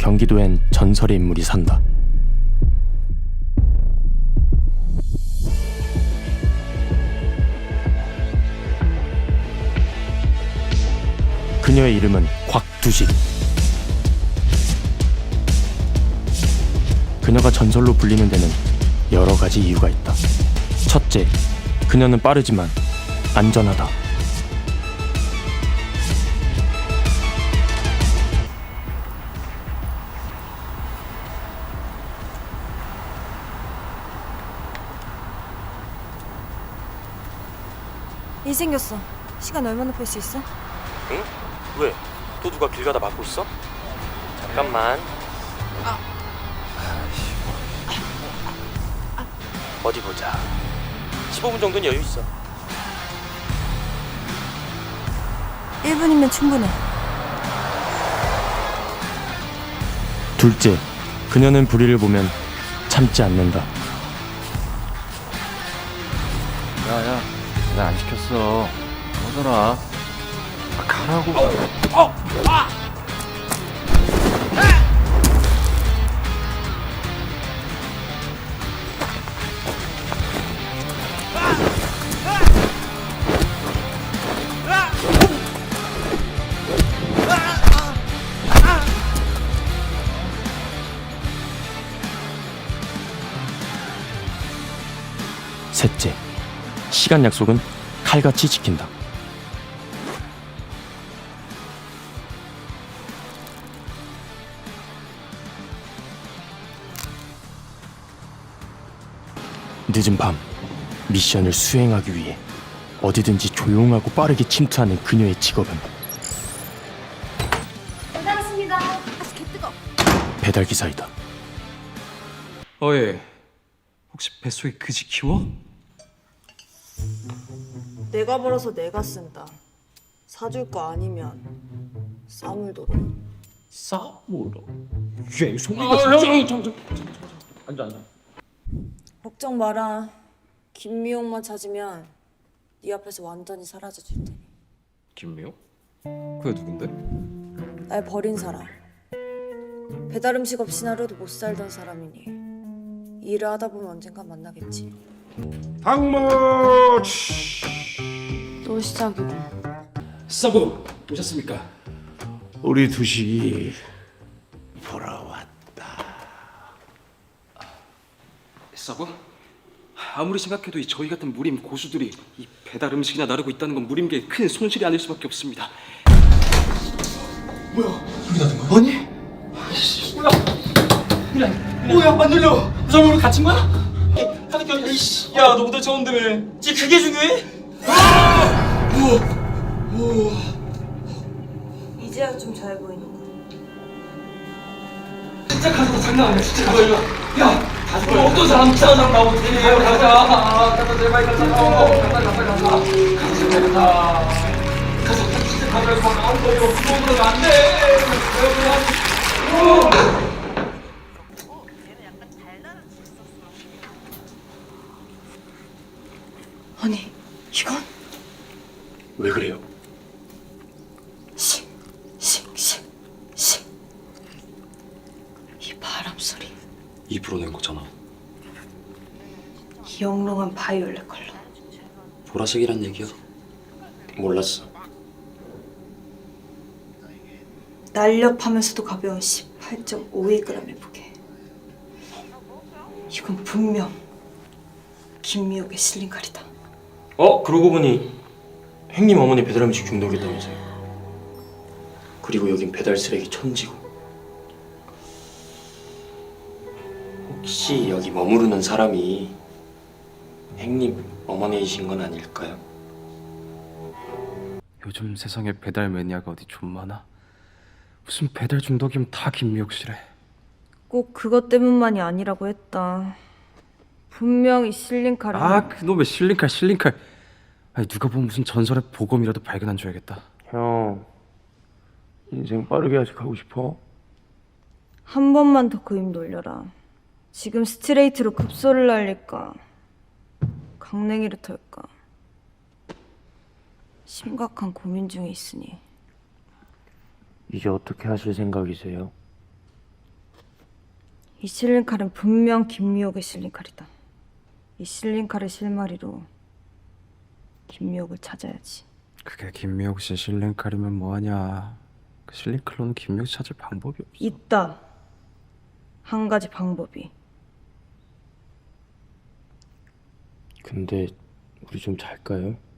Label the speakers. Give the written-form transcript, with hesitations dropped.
Speaker 1: 경기도엔 전설의 인물이 산다. 그녀의 이름은 곽두식. 그녀가 전설로 불리는 데는 여러 가지 이유가 있다. 첫째, 그녀는 빠르지만 안전하다.
Speaker 2: 일 생겼어. 시간 얼마나 뺄 수 있어?
Speaker 1: 응? 왜? 또 누가 길 가다 막고 있어? 잠깐만. 어디 보자. 15분 정도는 여유 있어.
Speaker 2: 1분이면 충분해.
Speaker 1: 둘째, 그녀는 불의를 보면 참지 않는다.
Speaker 3: 야야, 나 안 시켰어. 꺼져라. 가라고.
Speaker 1: 셋째, 시간 약속은 칼같이 지킨다. 늦은 밤, 미션을 수행하기 위해 어디든지 조용하고 빠르게 침투하는 그녀의 직업은
Speaker 2: 배달 왔습니다. 아직 개 뜨거.
Speaker 1: 배달기사이다.
Speaker 4: 어예, 혹시 뱃속에 그지 키워?
Speaker 2: 내가 벌어서 내가 쓴다. 사줄 거 아니면 싸물도록.
Speaker 4: 싸우러. 얘 송이가 진짜. 앉아.
Speaker 2: 걱정 마라. 김미용만 찾으면 네 앞에서 완전히 사라져 줄 테니.
Speaker 4: 김미호? 그게 누군데?
Speaker 2: 날 버린 사람. 배달 음식 없인 하루도 못 살던 사람이니 일을 하다 보면 언젠가 만나겠지.
Speaker 5: 당무
Speaker 2: 또 시작이고.
Speaker 4: 서브 오셨습니까?
Speaker 5: 우리 두식이 돌아왔다.
Speaker 4: 서브? 아무리 생각해도 이 저희 같은 무림 고수들이 이 배달 음식이나 나르고 있다는 건 무림계에 큰 손실이 아닐 수밖에 없습니다. 뭐야? 소리 나는 거야? 아니? 아이씨, 뭐야? 안 들려? 무전으로 갇힌 거야? 하는 이씨, 야, 너보다 좋은데 왜? 지 그게 중요해?
Speaker 2: 이제야 좀 잘 보이는군.
Speaker 4: 진짜 가서 장난 아니야, 진짜 가서 이거. 야, 가서 어떤 사람 이상한 사람 나오고 되게 가자, 제발 가자, 가자, 제발 가자, 진짜 가서 아무 거리 없어, 그러면 안 돼.
Speaker 2: 아니, 이건
Speaker 1: 왜 그래요?
Speaker 2: 싱. 이 바람 소리.
Speaker 4: 입으로 낸 거잖아.
Speaker 2: 이 영롱한 바이올렛 컬러.
Speaker 4: 보라색이란 얘기야.
Speaker 1: 몰랐어.
Speaker 2: 날렵하면서도 가벼운 18.52g의 무게. 이건 분명 김미옥의 실린 칼이다.
Speaker 1: 그러고 보니 행님 어머니 배달 음식 중독이었다면서요. 그리고 여긴 배달 쓰레기 천지고. 혹시 여기 머무르는 사람이 행님 어머니이신 건 아닐까요?
Speaker 3: 요즘 세상에 배달 매니아가 어디 좀 많아? 무슨 배달 중독이면 다 김미옥 씨래.
Speaker 2: 꼭 그것 때문만이 아니라고 했다. 분명히 실린 칼은
Speaker 3: 아, 그놈의 실링칼. 아니, 누가 보면 무슨 전설의 보검이라도 발견한 줄 알겠다.
Speaker 5: 형, 인생 빠르게 아직하고 싶어?
Speaker 2: 한 번만 더 그 입 놀려라. 지금 스트레이트로 급소를 날릴까 강냉이를 털까 심각한 고민 중에 있으니.
Speaker 5: 이제 어떻게 하실 생각이세요?
Speaker 2: 이 실린 칼은 분명 김미옥의 실린 칼이다. 이 실린 칼의 실마리로 김미옥을 찾아야지.
Speaker 3: 그게 김미옥 씨 실링칼이면 뭐하냐. 그 실링칼로는 김미옥 찾을 방법이 없어.
Speaker 2: 있다. 한 가지 방법이.
Speaker 1: 근데 우리 좀 잘까요?